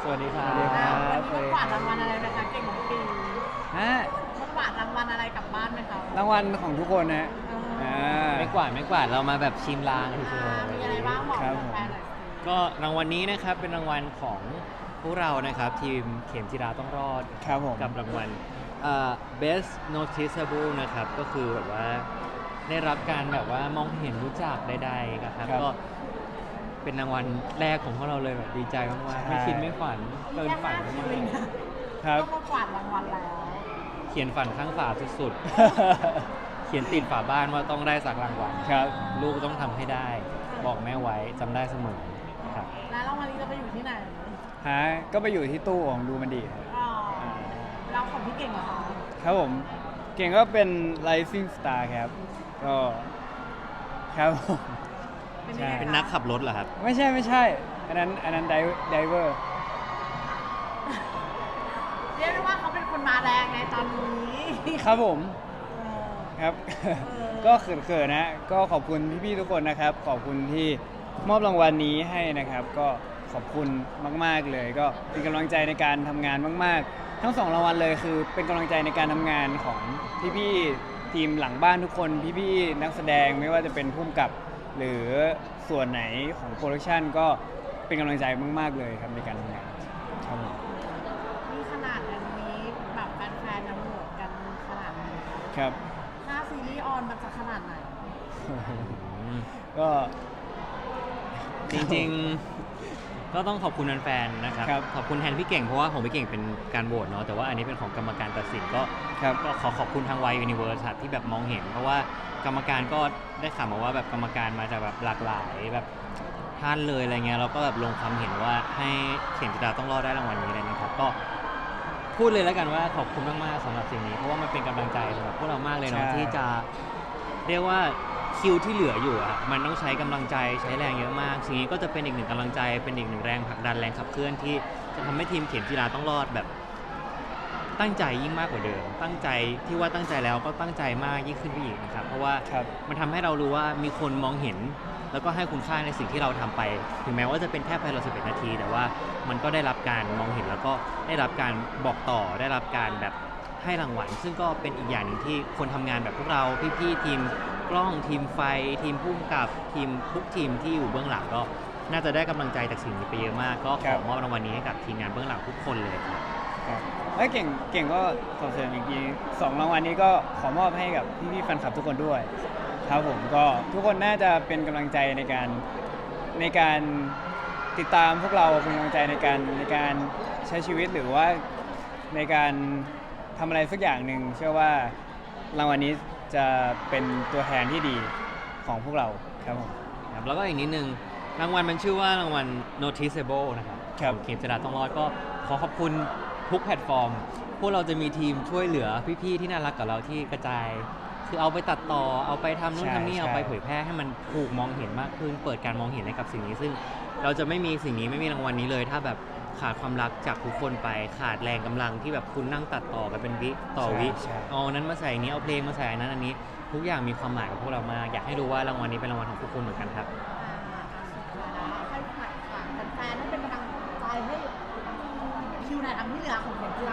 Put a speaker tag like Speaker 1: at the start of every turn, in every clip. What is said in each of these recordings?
Speaker 1: วัสดีครั
Speaker 2: สวัสดีครับ บ
Speaker 3: วันนี้มากวาดรางวัลอะไรไหมคะเก่งของปี
Speaker 2: ฮะ
Speaker 3: มากวาดรางวัลอะไรกลับบ้านไหมคะ
Speaker 2: รางวัลของทุกคนนะอ่า
Speaker 1: ไม่กวาดเรามาแบบชิมลางเฉ
Speaker 3: มี
Speaker 1: ย
Speaker 3: อะไรบ้างบอก
Speaker 2: ครับ
Speaker 3: แฟนๆหน่อยสิ
Speaker 1: ๆก็รางวัลนี้นะครับเป็นรางวัลของพวกเรานะครับทีมเข็มจิราต้องรอด
Speaker 2: ครับผม
Speaker 1: กับรางวัลbest noticeable นะครับก็คือแบบว่าได้รับการแบบว่ามองเห็นรู้จักใดๆนะครับก็เป็นรางวัลแรกของพวกเราเลยแบบดีใจมากๆไม่คิดไม่ฝันเกินฝัน
Speaker 3: แค่
Speaker 1: มา
Speaker 3: 5 คิวเอง
Speaker 1: ก
Speaker 3: นะครับ ต้องมากวาดรางวัลแล้ว
Speaker 1: เขียนฝันข้างฝาสุดๆ เขียนติดฝาบ้านว่าต้องได้สักรางวัล
Speaker 2: ครับ
Speaker 1: ลูกต้องทำให้ได้ บอกแม่ไว้จำได้เสมอครับ
Speaker 3: แล้วรางวัลนี้จะไปอยู่ที่ไหน
Speaker 2: ฮะก็ไปอยู่ที่ตู้ของดูมันดีครับ
Speaker 3: อ๋อเราของพี่เก่งเหรอคะ
Speaker 2: ครับผมเก่งก็เป็น Rising Star ครับ ก็ครับผม
Speaker 3: เป็นยังไง
Speaker 1: เป็น
Speaker 3: คะ
Speaker 1: นักขับรถเหรอครับ
Speaker 2: ไม่ใช่ อันนั้นไดเวอร์
Speaker 3: เรียกได้ว่าเขาเป็นคนมาแรงในตอนนี้
Speaker 2: ครับผม
Speaker 3: เออ
Speaker 2: ครับ
Speaker 3: อ
Speaker 2: ก็เขินๆนะ ก็ขอบคุณพี่ๆทุกคนนะครับ ขอบคุณที่มอบรางวัลนี้ให้นะครับ ก็ขอบคุณมากๆเลย ก็เป็นกำลังใจในการทำงานมากๆ ทั้งสองรางวัลเลยคือเป็นกำลังใจในการทำงานของพี่ๆทีมหลังบ้านทุกคนพี่ๆนักแสดงไม่ว่าจะเป็นผู้กำกับ หรือส่วนไหนของโปรดักชันก็เป็นกำลังใจมากๆเลยครับในการทำงานครับผม
Speaker 3: นี่ขนาดอันนี้แบบแฟนๆนะโหวตกันขนาดไหน
Speaker 2: ครับ
Speaker 3: ถ้าซีรีส์ออนมันจะขนาดไหน
Speaker 2: ก็
Speaker 1: จริงๆ ก็ต้องขอบคุณแฟนๆ นะครับ
Speaker 2: ครับ
Speaker 1: ขอบคุณแทนพี่เก่งเพราะว่าของพี่เก่งเป็นการโหวตเนาะ แต่ว่าอันนี้เป็นของกรรมการตัดสินก็
Speaker 2: ครับ
Speaker 1: ก็ขอขอบคุณทางวายยูนิเวิร์สที่แบบมองเห็น เพราะว่ากรรมการก็ได้ข่าวมาว่าแบบกรรมการมาจากแบบหลากหลายแบบท่านเลยอะไรเงี้ยเราก็แบบลงความเห็นว่าให้เข็มจิราต้องรอดได้รางวัลนี้เลยนะครับก็พูดเลยแล้วกันว่าขอบคุณมากๆสำหรับสิ่งนี้เพราะว่ามันเป็นกำลังใจสำหรับพวกเรามากเลยเนาะ
Speaker 2: ใช่
Speaker 1: ที่จะเรียกว่าคิวที่เหลืออยู่อะมันต้องใช้กำลังใจใช้แรงเยอะมากสิ่งนี้ก็จะเป็นอีกหนึ่งกำลังใจเป็นอีกหนึ่งแรงผลักดันแรงขับเคลื่อนที่จะทำให้ทีมเข็มจิราต้องรอดแบบ ตั้งใจยิ่งมากกว่าเดิม ตั้งใจที่ว่าตั้งใจแล้วก็ตั้งใจมากยิ่งขึ้นไปอีกนะครับ เพราะว่า
Speaker 2: ครับ
Speaker 1: มันทำให้เรารู้ว่ามีคนมองเห็น แล้วก็ให้คุณค่าในสิ่งที่เราทำไป ถึงแม้ว่าจะเป็นแค่ภายใน11 นาที แต่ว่ามันก็ได้รับการมองเห็นแล้วก็ได้รับการบอกต่อ ได้รับการแบบให้รางวัล ซึ่งก็เป็นอีกอย่างหนึ่งที่คนทำงานแบบพวกเรา พี่ๆทีมกล้อง ทีมไฟ ทีมผู้กำกับ ทีมทุกทีมที่อยู่เบื้องหลังก็น่าจะได้กำลังใจจากสิ่งนี้ไปเยอะมาก ก็ข
Speaker 2: ครั
Speaker 1: อบ มอบรางวัลนี้ให้กับทีมงานเบื้องหลังทุกคนเลยครับ
Speaker 2: ครับแล้วเก่งก็ขอเสริมอีกทีสองรางวัลนี้ก็ขอมอบให้กับพี่ๆแฟนคลับทุกคนด้วยครับผมก็ทุกคนน่าจะเป็นกำลังใจในการติดตามพวกเราเป็นกำลังใจในการใช้ชีวิตหรือว่าในการทำอะไรสักอย่างหนึ่งเชื่อว่ารางวัลนี้จะเป็นตัวแทนที่ดีของพวกเราครับผม
Speaker 1: ครับแล้วก็อีกนิดนึงรางวัลมันชื่อว่ารางวัล noticeable นะครับ
Speaker 2: ครับ
Speaker 1: ของเข็มจิราต้องรอดก็ขอขอบคุณทุกแพลตฟอร์ม พวกเราจะมีทีมช่วยเหลือพี่ๆที่น่ารักกับเราที่กระจาย คือเอาไปตัดต่อเอาไปทำนู่นทำนี่เอาไปเผยแพร่ให้มันถูกมองเห็นมากขึ้น เปิดการมองเห็นให้กับสิ่งนี้ ซึ่งเราจะไม่มีสิ่งนี้ไม่มีรางวัลนี้เลย ถ้าแบบขาดความรักจากทุกคนไปขาดแรงกำลังที่แบบคุณนั่งตัดต่อกันเป็นวิต่อวิ
Speaker 2: ใช่
Speaker 1: เอาอันนั้นมาใส่อันนี้เอาเพลงมาใส่อันนั้นอันนี้ ทุกอย่างมีความหมายกับพวกเรามากอยากให้รู้ว่ารางวัลนี้เป็นรางวัลของทุกคนเหมือนกันครับ
Speaker 3: ให้ฝากแฟนๆให้เป็นกำลังใจให้คิวไหนทำที่เหลือของเข็มจีรา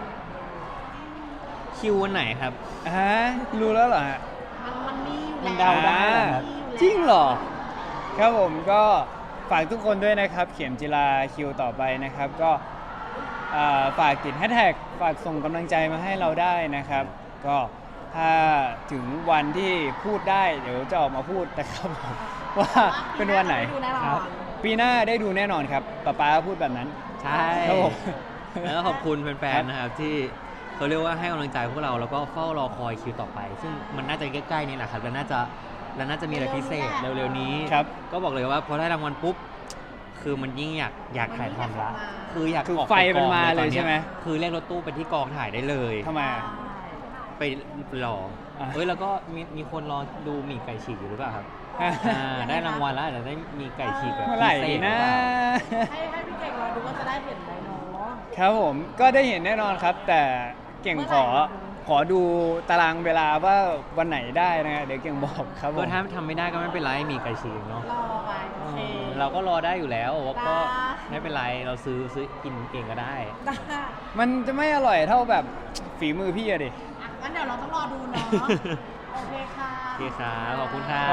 Speaker 1: คิววันไหนครับ
Speaker 2: ฮะรู้แล้วเหรอฮะ
Speaker 3: มันมีอยู่
Speaker 1: มัน
Speaker 3: แล้ว
Speaker 1: เดาได้เหรอครับ
Speaker 3: มีอยู่แล้ว
Speaker 2: จริงเหรอ ครับผมก็ฝากทุกคนด้วยนะครับ เข็มจิราคิวต่อไปนะครับ ก็ฝากติดแฮชแท็กฝากส่งกำลังใจมาให้เราได้นะครับ ก็ถ้าถึงวันที่พูดได้เดี๋ยวจะออกมาพูดนะครับผมว่าเป็นวันไหน
Speaker 3: ปีาจะด้ดูแน่นอน
Speaker 2: ครับปีหน้าได้ดูแน่นอนครับป๊าพูดแบบนั้น
Speaker 1: ใช่
Speaker 2: ครับผม
Speaker 1: แล้วก็ขอบคุณแฟนๆ นะครับที่เขาเรียกว่าให้กำลังใจพวกเราแล้วก็เฝ้ารอคอยคิวต่อไป ซึ่งมันน่าจะใกล้ๆนี่แหละครับแล้วน่าจะมีอะไรพิเศษเร็วๆนี้
Speaker 2: ครับ
Speaker 1: ก็บอกเลยว่าพอได้รางวัลปุ๊บคือมันยิ่งอยากถ่ายทำละคืออยาก
Speaker 2: คือ
Speaker 1: ออก
Speaker 2: ไฟ
Speaker 1: ปก
Speaker 2: มัน
Speaker 1: อง
Speaker 2: มา
Speaker 1: ตอ
Speaker 2: เลยใช่ไหม
Speaker 1: คือเรียกรถตู้ไปที่กองถ่ายได้เลย
Speaker 2: ทำไมอะ
Speaker 1: ไปรอ
Speaker 2: อ่ะ
Speaker 1: เฮ้ยแล้วก็มีคนรอดูหมี่ไก่ฉีกอยู่หรือเปล่าครับได้รางวัลแล้วอาจจะได้มีไก่ฉีกแบบ
Speaker 2: เมื่อไหร่
Speaker 1: พิเศษ
Speaker 2: นะ
Speaker 1: รือเปล่า
Speaker 3: ให้พี่เก่งรอดูว่าจะได้เห็นไหมเนาะ
Speaker 2: ครับผมก็ได้เห็นแน่นอนครับ แต่เก่ง
Speaker 3: เมื่อไหร่
Speaker 2: ขอดูตารางเวลาว่าวันไหนได้นะฮะเดี๋ยวเก่งบอกครับผ
Speaker 1: ก็
Speaker 2: ม
Speaker 1: ถ้าทำไม่ได้ก็ไม่เป็นไรมีไก่ฉีกเนาะ
Speaker 3: รอไปโอเค
Speaker 1: เราก็รอได้อยู่แล้วว่าก็
Speaker 3: ได้
Speaker 1: ไม่เป็นไรเราซื้อกินเองก็ได้
Speaker 3: ได้
Speaker 2: มันจะไม่อร่อยเท่าแบบฝีมือพี่อะดิ
Speaker 3: งั้นเดี๋ยวเราต้องรอดูเนาะ โอเคค่ะ
Speaker 1: โอเคครับขอบคุณครับ